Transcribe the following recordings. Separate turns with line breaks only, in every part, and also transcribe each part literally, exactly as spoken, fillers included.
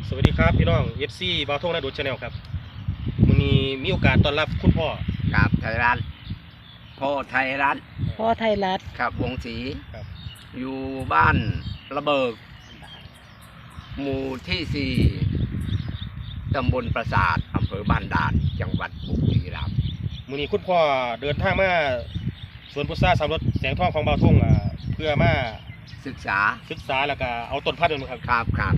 สวัสดีครับพี่น้อง เอฟ ซี บาวทงนาดูชาแนลครับวันนี้มีโอกาสต้อนรับคุณพ่อ
ครับไทยรัฐพ่อไทยรัฐ
พ่อไทยรัฐ
ครับวงศรีอยู่บ้านระเบิกหมู่ที่สี่ตำบลปราสาทอำเภอบ้านด่านจังหวัดบุรีรัมย์
วันนี้คุณพ่อเดินทางมาสวนพุทราสามรถแสงทองของบาวทงเพื่อมา
ศึกษา
ศึกษาแล้วก็เอาต้นพันธุ์นะครับ
ครับครับ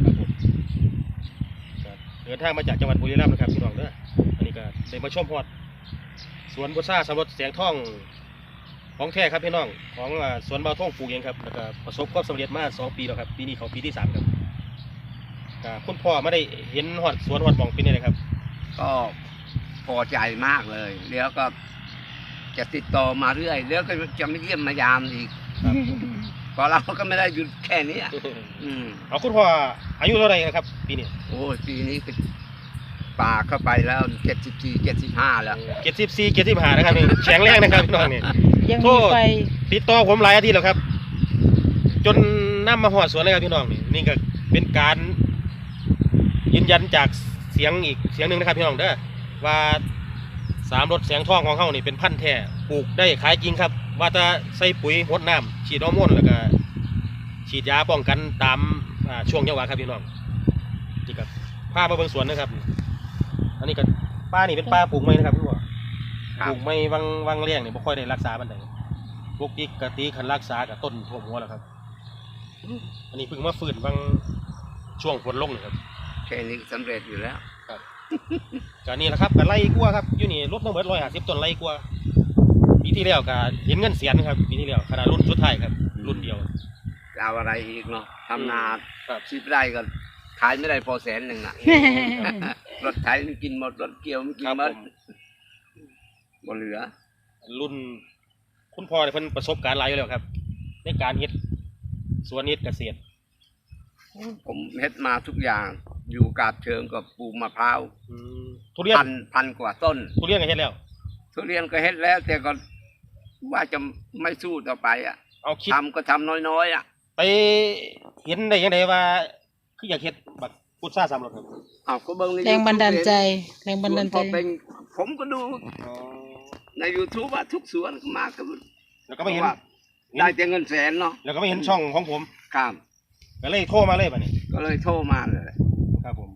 เดินทางมาจากจังหวัดบุรีรัมย์นะครับพี่น้องเด้ออันนี้ก็ได้มาชมฮอดสวนพุทราสามรถแสงทองของแท้ครับพี่น้องของสวนบาวทงปลูกเองครับแล้วก็ประสบความสำเร็จมาสองปีแล้วครับปีนี้เขาปีที่สามครับคุณพ่อไม่ได้เห็นฮอดสวนฮอดหม่องเป็นยังไงครับ
ก็พอใจมากเลยแล้วก็จะติดต่อมาเรื่อยแล้วก็จะไม่เยี่ยมมายามอีกเพราะเราก็ไม่ได้หยุดแค่นี้อืม
เอาคุณพ่ออายุเท่าไหร่ครับปีนี้
โอ้ปีนี้ก็ป่าเข้าไปแล้วเจ็ดสิบสี่เจ็ดสิบห้าแล้ว
เจ็ดสิบสี่เจ็ดสิบห้านะครับนี่แข็งแรงนะครับพี่น้องนี่
ยังมีไฟ
ติดต่อผมหลายอาทิตย์แล้วครับจนนำมาหอดสวนเลยครับพี่น้องนี่นี่ก็เป็นการยืนยันจากเสียงอีกเสียงหนึ่งนะครับพี่น้องเด้อว่าสามรถแสงทองของเขานี่เป็นพันธุ์แท้ปลูกได้ขายจริงครับว่าจะใส่ปุ๋ยรดน้ำฉีดฮอร์โมนแล้วก็ฉีดยาป้องกันตามช่วงเยาว์ครับพี่น้องนี่ครับพามาเบิ่งสวนนะครับอันนี้ก็ป้านี่เป็นป้าปลูกไม้นะครับพี่พ่อปลูกไม้วังวังเลี้ยงนี่ไม่ค่อยได้รักษาบันไดพวกที่กะตีขันรักษากับต้นท่วมหัวแล้วครับอันนี้เพิ่งมาฟื้นวังช่วงฝนลงนี่ครับ
แค่นี้สำเร็จอยู่แล้ว
ครับก็นี่แหละครับก็ไล่กลัวครับอยู่นี่รถต้องเบิดร้อยห้าสิบต้นไล่กลัวปีที่แล้วก็เห็นเงินเสียนครับปีที่แล้วขนาดรุ่นสุดท้ายครับรุ่นเดียว
เอาอะไรอีกเนาะทำนาชีพได้ก็ขายไม่ได้พอแสนหนึ่งอ่ะรถไถมันกินหมดรถเกี่ยวมันกินหมดบ่เหลือ
รุ่นคุณพ่อเนี่ยเพิ่นประสบการณ์หลายอยู่แล้วครับในการเฮ็ดสวนเฮ็ดเกษตร
ผมเฮ็ดมาทุกอย่างอยู่กาบเชิงกับปลูกมะพร้าว
ทุเรียน
พันพันกว่าต้น
ทุเรียนก็เฮ็ดแล้ว
ทุเรียนก็เฮ็ดแล้วแต่ก็ว่าจะไม่สู้ต่อไปอ่ะ
เอาคิด
ทำก็ทำน้อยๆอ่ะ
ไปเห็นได้ยังไงว่าคืออยากเฮ็ดแบบพุทราสามรสครับ
อ้าวก็เบิ่ง
แรงบันดาลใจแรงบันดาลใจ
ผมก็ดูใน ยูทูบ ว่าทุกสวนมาก็
แล้วก็ไม่เห็น
ได้แต่เงินแสนเนาะ
แล้วก็ไม่เห็นช่องของผม
ครับ
ก็เลยโทรมาเลยบัดนี้
ก็เลยโทรมาเลย
ครับผม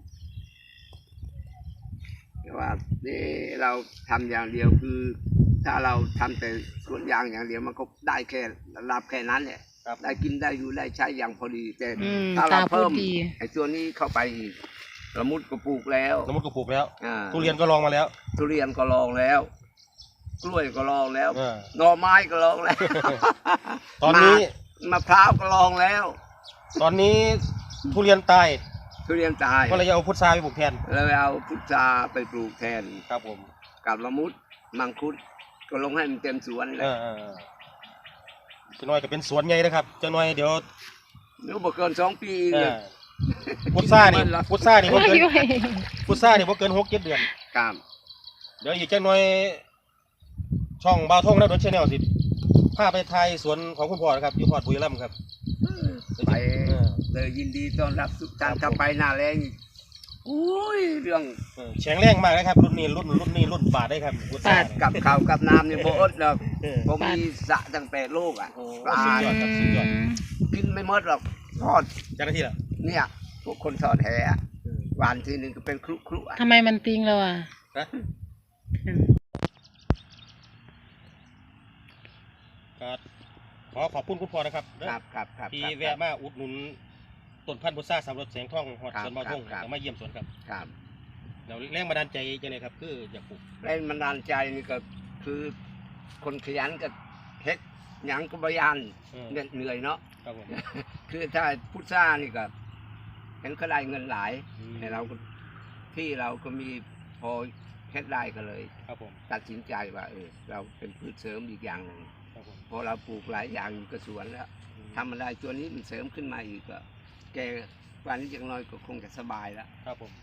ว่านี่เราทำอย่างเดียวคือถ้าเราทำแต่สวนยางอย่างเดียวมันก็ได้แค่รับแค่นั้นแหละได้กินได้อยู่ได้ใช้อย่างพอดีแต่ถ้าเราเพิ่มไอ้ตัวนี้เข้าไปอีกละมุดก็ปลูกแล้ว
ละมุดก็ปลูกแล้วทุเรียนก็ลองมาแล้ว
ทุเรียนก็ลองแล้วกล้วยก็ลองแล้วหน่อไม้ก็ลองแล้ว
ตอนนี้
มะพร้าวก็ลองแล้ว
ตอนนี้ทุเรียนตาย
ทุเรียนตาย
ก็เลยเอาพุทราไปปลูกแทน
แล้วเอาพุทราไปปลูกแทน
ครับผม
กับละมุดมังคุดก็ลงให้มันเต็มสวนเลย
จะน้อยก็เป็นสวนใหญ่นะครับจะน้อยเดี๋ยว
เดี๋ยวบ่เกินสองปี
พุทรานี่พุทรานี่บ่เกินพุทรานี่บ่เกินหกเจ็ดเดือน
ครับ
เดี๋ยวอีกจังน้อยช่องบาวทงนะโดนชแนลสิพาไปไทยสวนของคุณพ่อนะครับอยู่พอดบุรีรัมย์ครับ
ไปเลยยินดีต้อนรับทุกท่านถ้าไปหน้าแรงอุ้ยเรื่อง
แข็งแรงมากนะครับรุ่นนี้รุ่นรุ่นนี้รุ่นป่าได้ครับ
ปาด
กับข้าวกับน้ำนี่โบอดหรอกผมมีสระตั้งแต่โลกอ่ะปลากินไม่หมดหรอกทอด
เจ้าหน้าที่เหรอ
เนี่ยพวกคนทอดแหหวานทีนึงก็เป็นครุครุอ่ะ
ทำไมมันติ้งเราอ่ะ
ขอขอบคุณคุณพ่อนะครับ
ครับครับครับ
ที่แวะมาอุดหนุนต้นพันธุ์พุทราสามรสแสงทองหอดสวนบาวทงมาเยี่ยมสวนครับ
ครับ
เราแรงบันดาลใจจะเลยครับคืออยากปลูก
แรงบันดาลใจนี่ก็คือคนขยันกับเฮ็ดหยังก็บยานเหนื่อยเนาะ
ครับผม
คือถ้าพุทรานี่ก็เห็นเขาได้เงินหลายแต่เราที่เราก็มีพอเฮ็ดได้ก็เลย
ครับผม
ตัดสินใจว่าเออเราเป็นพืชเสริมอีกอย่างหนึ่งพอเราปลูกหลายอย่างอยู่กับสวนแล้วทำอะไรตัวนี้มันเสริมขึ้นมาอีกก็แกวันนี้อย่างน้อยก็คงจะสบายแล้ว
ครับผม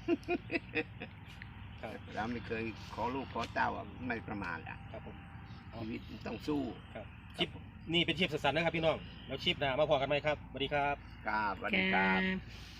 เราไม่เคยขอลูกขอเต้าไม่ประมาทอ่ะ
ครับผม
ชีวิตต้องสู้
ครับชิปนี่เป็นชิปสันนะครับพี่น้องแล้วชิปหน้ามาพอกันไหมครับสวัสดีครับ
ครับสวัสดีครับ